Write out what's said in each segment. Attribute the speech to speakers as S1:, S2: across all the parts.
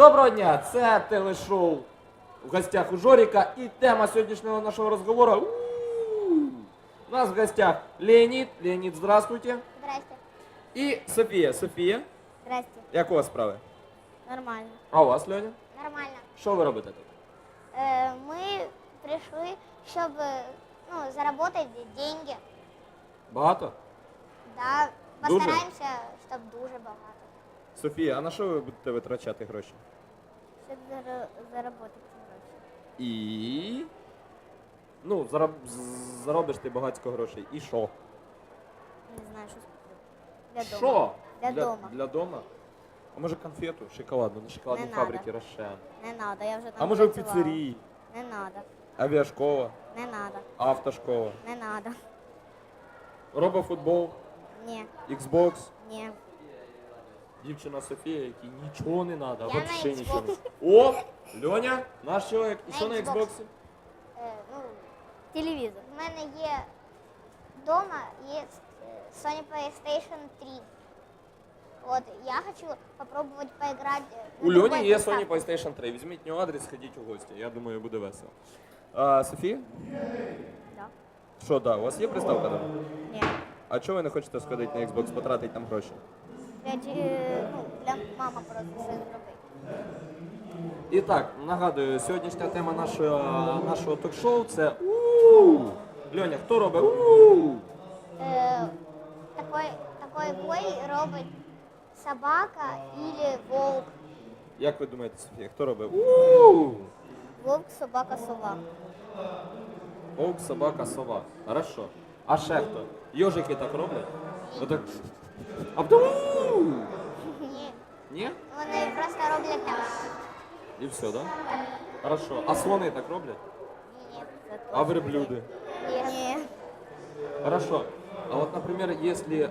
S1: Доброго дня! Це телешоу «В гостях у Жоріка» і тема сьогоднішнього нашого розговору. У нас в гостях Леонід. Леонід, здравствуйте.
S2: Здрасте.
S1: І Софія. Софія,
S2: Здрасте.
S1: як у вас справи?
S2: Нормально.
S1: А у вас, Льоня?
S2: Нормально.
S1: Що ви робите тут?
S2: Мы пришли, чтобы заработать деньги.
S1: Багато?
S2: Да,
S1: Дуже?
S2: постараемся, чтобы дуже багато.
S1: Софія, а на що ви будете витрачати гроші?
S2: Щоб заработати ці гроші.
S1: І... Ну, заробиш ти багатько грошей. І що?
S2: Не знаю, що куплю. Для дома.
S1: Що?
S2: Для дома.
S1: Для дома? А може конфету шоколадну на шоколадній
S2: Не
S1: фабриці
S2: надо.
S1: Рошен?
S2: Не надо, я вже там
S1: А може в
S2: працювала.
S1: піцерії?
S2: Не надо.
S1: Авіашкола?
S2: Не надо.
S1: Автошкола?
S2: Не надо.
S1: Робофутбол?
S2: Ні.
S1: Xbox?
S2: Ні.
S1: Дівчина Софія, якій нічого не треба,
S2: Я
S1: вообще
S2: на
S1: нічого
S2: Xbox.
S1: не. О! Льоня, наш чоловік. І
S2: На
S1: що на
S2: Xbox.
S1: Xbox?
S2: Телевізор. У мене є вдома є Sony PlayStation 3. Вот, я хочу попробовать поиграть
S1: У Льоні є Sony PlayStation 3. Візьміть нього адрес, сходіть у гості. Я думаю, буде весело. А, Софія?
S2: Да.
S1: Що, да, у вас є приставка дома?
S2: Ні.
S1: А чого ви не хочете сходити на Xbox, потратити там гроші?
S2: Для мама просто все зробить.
S1: І так, нагадую, сьогоднішня тема нашого ток-шоу – це Льоня, хто робить
S2: Такой бой робить собака или волк.
S1: Як ви думаєте, Софія, хто робить
S2: Волк, собака, сова.
S1: Вовк, собака, сова. Хорошо. А ще хто? Йожики так роблять? Отак. А потім
S2: Ні.
S1: Ні?
S2: Вони просто роблять так.
S1: І все, да? Хорошо. А слони так роблять?
S2: Ні. Це
S1: А верблюди?
S2: Ні.
S1: Хорошо. А вот, например, если...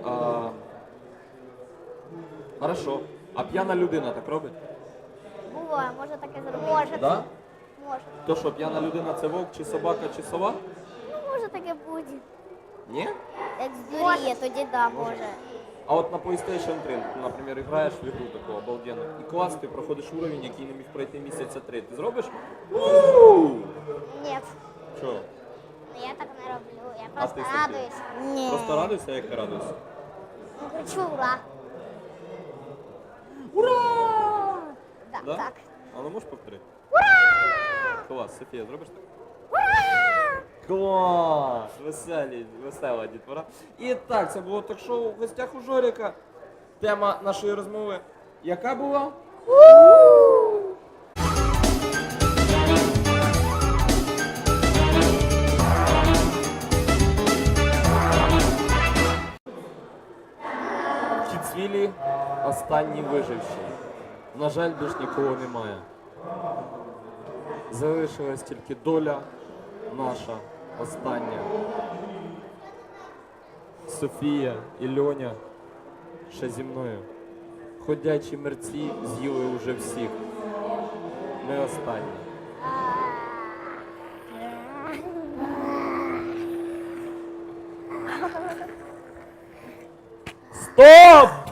S1: Хорошо. А п'яна людина так робить?
S2: Буває, може таке зробити. Може.
S1: Да?
S2: Може.
S1: То що, п'яна людина це вовк, чи собака, чи сова?
S2: Ну, може таке буде.
S1: Ні?
S2: Як здуріє, тоді да, може.
S1: А от на PlayStation 3, наприклад, граєш в ігру таку обалденну, і клас, ти проходиш уровень, який не міг пройти місяця 3. Ти зробиш?
S2: Ні.
S1: Що?
S2: Я так не роблю. Я
S1: А
S2: просто
S1: ти, Софія?
S2: радуюсь. Ні.
S1: Просто радуйся, як ти радуйся?
S2: Ну, кричу ура.
S1: Ура!
S2: Да,
S1: Да?
S2: так.
S1: А ну можеш повторити?
S2: Ура!
S1: Клас, Софія, зробиш так?
S2: Ура!
S1: Клас! Весела дітвора. І так, це було ток-шоу «В гостях у Жоріка». Тема нашої розмови яка була? В Кіцвілі останні виживші. На жаль, більш нікого немає. Залишилась тільки доля наша остання. Софія і Льоня ще зі мною. Ходячі мерці з'їли уже всіх. Ми останні. Стоп!